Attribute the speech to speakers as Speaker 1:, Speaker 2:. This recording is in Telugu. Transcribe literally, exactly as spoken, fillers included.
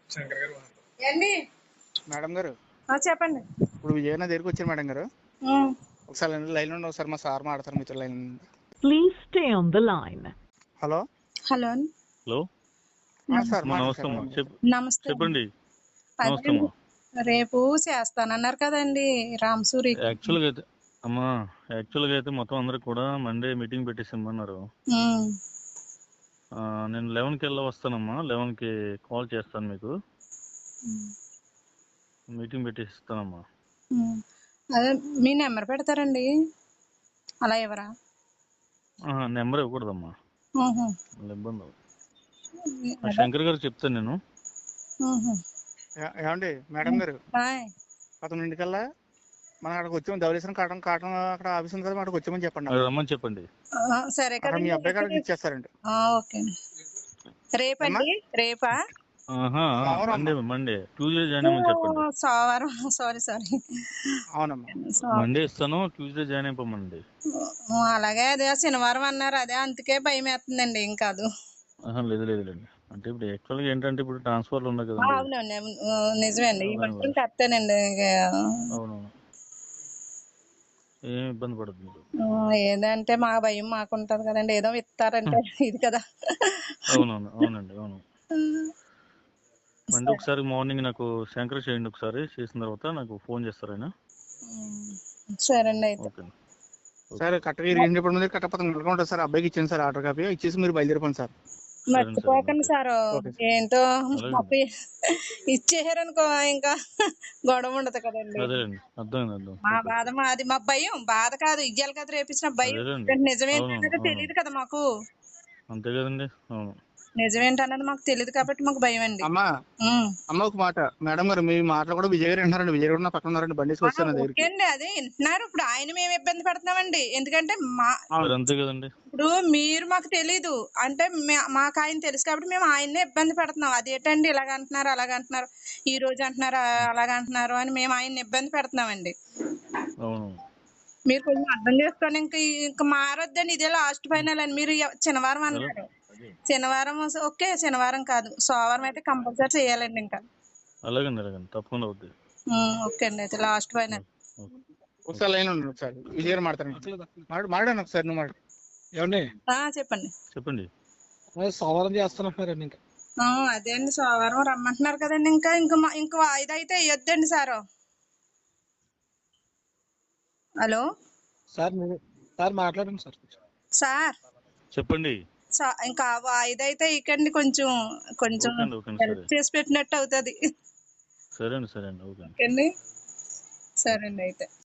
Speaker 1: ఏండి
Speaker 2: మేడం గారు
Speaker 1: ఆ, చెప్పండి.
Speaker 2: ఇప్పుడు విజయనగరం దగ్గరికి వచ్చారు మేడం గారు.
Speaker 1: ఉమ్,
Speaker 2: ఒకసారి లైన్ ఉండి ఒకసారి మా సార్ మాట్లాడతారు మీతో line.
Speaker 3: Please stay on the line.
Speaker 2: Hello
Speaker 1: hello
Speaker 4: hello
Speaker 2: ఆ, సార్
Speaker 4: అమ్మా,
Speaker 2: మాట్లాడండి
Speaker 4: నమస్తే
Speaker 2: సార్.
Speaker 4: అమ్మా. చెప్
Speaker 1: నమస్తే.
Speaker 4: చెప్పండి. నమస్తే
Speaker 1: అదే
Speaker 4: అమ్మా.
Speaker 1: రేపు చేస్తానన్నారు కదండి రామసూరి.
Speaker 4: యాక్చువల్గా అయితే అమ్మా యాక్చువల్గా అయితే మొత్తం అందరికి కూడా మండే మీటింగ్ పెట్టేసిమ్మన్నారు.
Speaker 1: ఉమ్,
Speaker 4: ఆ, నేను లెవెన్కి వెళ్ళి వస్తానమ్మా. లెవెన్కి కాల్ చేస్తాను మీకు.
Speaker 1: ఉమ్,
Speaker 4: మీటింగ్ పెట్టేసి ఇస్తానమ్మా.
Speaker 1: ఉమ్. అదే మీ నెంబర్ పెడతారండి అలా ఎవరా?
Speaker 4: నెంబర్ ఇవ్వకూడదమ్మా,
Speaker 1: ఉహు,
Speaker 4: మళ్ళీ ఇబ్బంది అవుతుంది. ఆ
Speaker 1: అదే.
Speaker 4: శంకర్ గారు చెప్తాను నేను.
Speaker 1: ఉహు.
Speaker 2: ఏ- ఏమండి మేడం గారు,
Speaker 1: హాయ్.
Speaker 2: పదకొండింటికల్లా మనం అక్కడికి వచ్చాము. ధవళేశ్వరం కాటన్ కాటన్ అక్కడ ఆఫీస్ ఉంది కదా, అక్కడికి వచ్చామని చెప్పండి.
Speaker 4: అక్కడ
Speaker 2: అక్కడ
Speaker 4: రమ్మని చెప్పండి.
Speaker 1: ఆ, సరే
Speaker 2: అక్కడ మీ
Speaker 1: కదండి.
Speaker 2: అబ్బాయి కాడికి ఇచ్చేస్తారండి.
Speaker 1: ఆ, ఓకే అండి.
Speaker 2: ఏమ్మా?
Speaker 1: రేపండి రేపా?
Speaker 4: ఆహా,
Speaker 2: సోమవారం
Speaker 4: మండే
Speaker 2: అమ్మా.
Speaker 4: మండే ట్యూస్డే జాయిన్
Speaker 1: ఓ,
Speaker 4: అయ్యమని చెప్పండి.
Speaker 1: సోమవారం. Sorry sorry.
Speaker 2: అవునమ్మా.
Speaker 4: మండే ఇస్తాను, ట్యూస్డే జాయిన్ అయిపోమండి.
Speaker 1: ఓ, అలాగే. అదే శనివారం అన్నారు, అదే అందుకే భయం వేస్తుందండి. ఏం కాదు.
Speaker 4: ఆహా, లేదు లేదు లేండి. అంటే ఇప్పుడు యాక్చువల్గా ఏంటంటే ఇప్పుడు ట్రాన్స్ఫర్లు ఉన్నాయి
Speaker 1: ఆ,
Speaker 4: కదండి.
Speaker 1: అవునండి. అవును. ఆ, నిజమేండి. ఈ
Speaker 4: దాని
Speaker 1: మాత్రం
Speaker 4: గురించి.
Speaker 1: కరెక్టేనండి. ఇక,
Speaker 4: అవునవును, ఏం ఇబ్బంది పడదు మీరు.
Speaker 1: ఆ, ఏదంటే మా భయం మాకుంటది కదండి. ఏదో ఇస్తారంటే ఇది కదా.
Speaker 4: అవునవును, అవునండి, అవును. మండే
Speaker 1: సరే.
Speaker 4: ఒకసారి మార్నింగ్ నాకు శంకర్ చేయండి. ఒకసారి చేసిన తర్వాత నాకు ఫోన్ చేస్తారు ఆయన.
Speaker 1: ఉమ్, సరే అండి అయితే.
Speaker 4: ఓకే.
Speaker 2: సార్ కరెక్ట్గా రీజన్ చెప్పడం మీద కరెక్ట్ పదకొండు ఉంటుంది సార్. అబ్బాయికి ఇచ్చాను సార్ ఆర్డర్ కాపీ. ఇచ్చేసి మీరు బయలుదేరిపోండి సార్.
Speaker 4: సరే సరే
Speaker 1: మర్చిపోకండి
Speaker 4: ఓకే
Speaker 1: సారు.
Speaker 2: Okay sir.
Speaker 1: ఏంటో
Speaker 4: అలాగండి.
Speaker 1: అప్పు ఇచ్చేసారనుకో ఇంకా గొడవ ఉండదు కదండి.
Speaker 4: అదేలేండి, అర్థమైంది అర్థం.
Speaker 1: మా
Speaker 4: ఓకే
Speaker 1: బాధ మాది. మా భయం బాధ కాదు, ఇయ్యాలి కదా రేపించిన భయం.
Speaker 4: అదేలేండి.
Speaker 1: ఎందుకంటే
Speaker 4: అవునవును,
Speaker 1: నిజమేంటన్నది
Speaker 4: అవును,
Speaker 1: తెలియదు కదా మాకు.
Speaker 4: అంతే కదండి. అవును.
Speaker 1: నిజమేంటన్నది మాకు తెలియదు కాబట్టి మాకు భయం అండి.
Speaker 2: అమ్మా
Speaker 1: ఉమ్.
Speaker 2: అమ్మ ఒక మాట. మేడం గారు మీ మాటలు కూడా విజయ్ గారు వింటున్నారండి. విజయ్ గారు నా పక్కన ఉన్నారండి. బండి
Speaker 1: ఆ,
Speaker 2: వస్తాను నా
Speaker 1: ఓకే
Speaker 2: దగ్గరికి.
Speaker 1: అండి. అదే వింటున్నారు. ఇప్పుడు ఆయన మేము ఇబ్బంది పడుతున్నామండి. ఎందుకంటే మా
Speaker 4: మరి
Speaker 2: అవును.
Speaker 4: అంతే కదండి.
Speaker 1: ఇప్పుడు మీరు మాకు తెలీదు అంటే మే- మాకు ఆయన తెలుసు కాబట్టి మేము ఆయన్నే ఇబ్బంది పెడుతున్నాం. అదేంటండి ఇలాగ అంటున్నారు అలాగ అంటున్నారు, ఈ రోజు అంటున్నారు ఆ- అలాగ అంటున్నారు అని మేము ఆయన్ని ఇబ్బంది పెడుతున్నామండి.
Speaker 4: అవును.
Speaker 1: మీరు కొంచెం అర్థం చేసుకోండి. ఇంకా ఇంకా మారొద్దండి. ఇదే లాస్ట్ ఫైనల్ అని మీరు ఎవ- శనివారం
Speaker 4: ఎలా
Speaker 1: అన్నారు. శనివారం వస్తే- ఓకే శనివారం కాదు సోమవారం అయితే కంపల్సరీ చేయాలండి ఇంకా.
Speaker 4: అలాగండి, అలాగండి, తప్పకుండా అవుద్ది.
Speaker 1: ఉమ్, ఓకే అండి అయితే లాస్ట్ ఫైనల్.
Speaker 4: ఓకే.
Speaker 2: ఒకసారి లైన్ ఉండండి. ఒకసారి విజయ్ గారు మాట్లాడండి. మాట్లాడు మాట్లాడండి ఒకసారి. నువ్వు మాట్లాడు.
Speaker 5: ఏమండి
Speaker 1: ఆ, చెప్పండి.
Speaker 4: చెప్పండి.
Speaker 5: అదే సోమవారం చేస్తున్నట్టున్నారండి ఇంకా.
Speaker 1: ఆ, అదే అండి సోమవారం రమ్మంటున్నారు కదండి. ఇంకా ఇంకా మా- ఇంకా వాయిదా అయితే వేయొద్దండి సారు. హలో
Speaker 5: సార్ మీరు సార్ మాట్లాడండి సార్.
Speaker 1: సార్.
Speaker 4: చెప్పండి.
Speaker 1: సా- ఇంకా వాయిదా అయితే ఇకండి. కొంచెం కొంచెం
Speaker 4: ఓకే అండి, ఓకే అండి,
Speaker 1: హెల్ప్
Speaker 4: సరే.
Speaker 1: చేసి పెట్టినట్టు అవుతుంది.
Speaker 4: సరే అండి, సరే అండి, ఓకే అండి.
Speaker 1: ఓకే అండి. సరే అండి అయితే.